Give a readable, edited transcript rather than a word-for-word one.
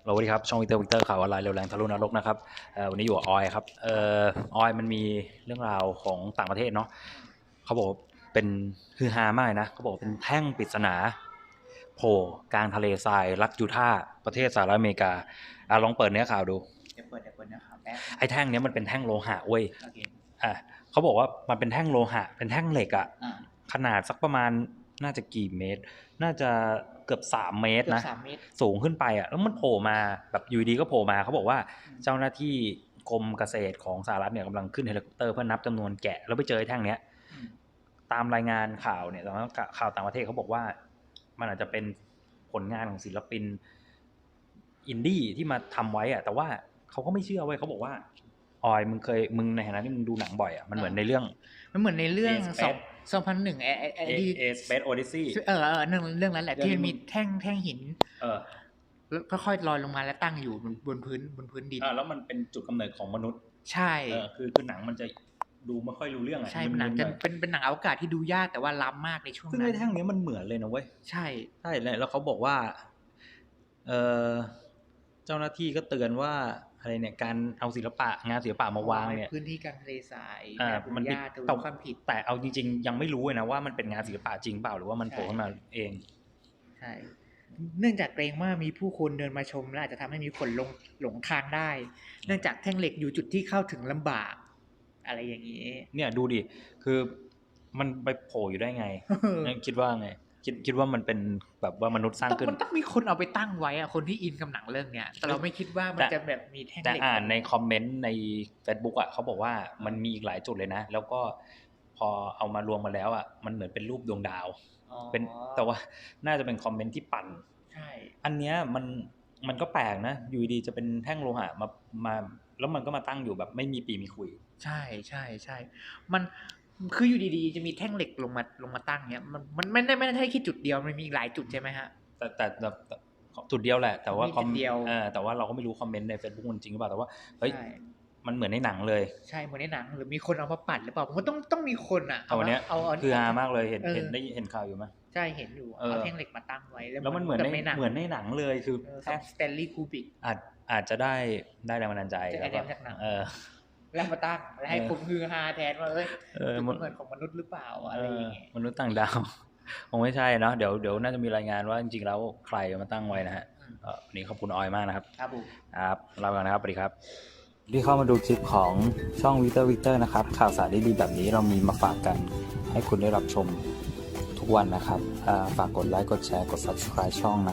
สวัสดีครับช่องวิกเตอร์ข่าวออนไลน์เร็วแรงทะลุนรกนะครับวันนี้อยู่กับออยครับออยมันมีเรื่องราวของต่างประเทศเนาะเขาบอกเป็นฮือฮามากนะเขาบอกเป็นแท่งปริศนาโผล่กลางทะเลทรายรัฐยูทาห์ประเทศสหรัฐอเมริกาลองเปิดเนื้อข่าวดูเดี๋ยวเปิดนะครับแป๊บไอ้แท่งเนี้ยมันเป็นแท่งโลหะเว้ยโอเคเขาบอกว่ามันเป็นแท่งโลหะเป็นแท่งเหล็กอะอ่าขนาดสักประมาณน่าจะกี่เมตร น่าจะเกือบ3 เมตรเกือบนะ 3 เมตรสูงขึ้นไปอ่ะแล้วมันโผล่มาแบบอยู่ดีก็โผล่มาเขาบอกว่าเจ้าหน้าที่กรมเกษตรของสหรัฐเนี่ยกำลังขึ้นเฮลิคอปเตอร์เพื่อนับจำนวนแกะแล้วไปเจอไอ้แท่งเนี้ยตามรายงานข่าวเนี่ยตอนข่าวต่างประเทศเขาบอกว่ามันอาจจะเป็นผลงานของศิลปินอินดี้ที่มาทำไว้อ่ะแต่ว่าเขาก็ไม่เชื่อเว้ยเขาบอกว่าออยมึงในฐานะที่มึงดูหนังบ่อยอ่ะมันเหมือนในเรื่อง 2001 Space Odyssey เรื่องนั้นแหละที่มันมีแท่งหินแล้วค่อยๆลอยลงมาแล้วตั้งอยู่บนพื้นดินแล้วมันเป็นจุดกำเนิดของมนุษย์ใช่คือหนังมันจะดูไม่ค่อยรู้เรื่องอ่ะใช่หนังจะเป็นหนังอวกาศที่ดูยากแต่ว่าล้ำมากในช่วงนั้นซึ่งไอ้แท่งนี้มันเหมือนเลยนะเว้ยใช่แล้วเขาบอกว่าเจ้าหน้าที่ก็เตือนว่าอะไรเนี่ยการเอางานศิลปะมาวางเนี่ยพื้นที่กลางทะเลทรายมันยากถือความผิดแต่เอาจริงๆยังไม่รู้เลยนะว่ามันเป็นงานศิลปะจริงเปล่าหรือว่ามันโผล่ขึ้นมาเองใช่เนื่องจากเกรงว่ามีผู้คนเดินมาชมและอาจจะทำให้มีคนหลงทางได้เนื่องจากแท่งเหล็กอยู่จุดที่เข้าถึงลำบากอะไรอย่างนี้เนี่ยดูดิคือมันไปโผล่อยู่ได้ไง คิดว่าไงคิดว่ามันเป็นแบบว่ามนุษย์สร้างขึ้นมันต้องมีคนเอาไปตั้งไว้อะคนที่อินกับหนังเรื่องเนี้ยแต่เราไม่คิดว่ามันจะแบบมีแท่งเหล็กแต่อ่านในคอมเมนต์ใน Facebook อ่ะเขาบอกว่ามันมีอีกหลายจุดเลยนะแล้วก็พอเอามารวมมาแล้วอ่ะมันเหมือนเป็นรูปดวงดาวเป็นแต่ว่าน่าจะเป็นคอมเมนต์ที่ปั่นใช่อันเนี้ยมันก็แปลกนะอยู่ดีจะเป็นแท่งโลหะมาแล้วมันก็มาตั้งอยู่แบบไม่มีปีมีคุยใช่ใช่ใช่มันคืออยู่ดีๆจะมีแท่งเหล็กลงมาตั้งเนี้ยมันไม่ได้แค่จุดเดียวมันมีหลายจุดใช่ไหมฮะแต่จุดเดียวแหละแต่ว่าแต่ว่าเราก็ไม่รู้คอมเมนต์ใน Facebook มันจริงหรือเปล่าแต่ว่าเฮ้ยมันเหมือนในหนังเลยใช่เหมือนในหนังหรือมีคนเอามาปัดหรือเปล่าผมต้องมีคนอ่ะเอาเนี้ยคือฮามากเลยเห็นข่าวอยู่ไหมใช่เห็นอยู่เอาแท่งเหล็กมาตั้งไว้แล้วมันเหมือนในหนังเลยคือสแตนลีย์คูบิกอาจจะได้แรงบันดาลใจแล้วก็แล้วมาตั้งแล้วให้ผมฮือฮาแทนว่ามันเหมือนของมนุษย์หรือเปล่าอะไรอย่างเงี้ยมนุษย์ต่างดาวคงไม่ใช่เนาะเดี๋ยวน่าจะมีรายงานว่าจริงๆแล้วใครมาตั้งไว้นะฮะวันนี้ขอบคุณออยมากนะครับครับลาไปก่อนนะครับสวัสดีครับที่เข้ามาดูคลิปของช่องวิกเตอร์นะครับข่าวสารดีๆแบบนี้เรามีมาฝากกันให้คุณได้รับชมทุกวันนะครับฝากกดไลค์กดแชร์กด Subscribe ช่องนะ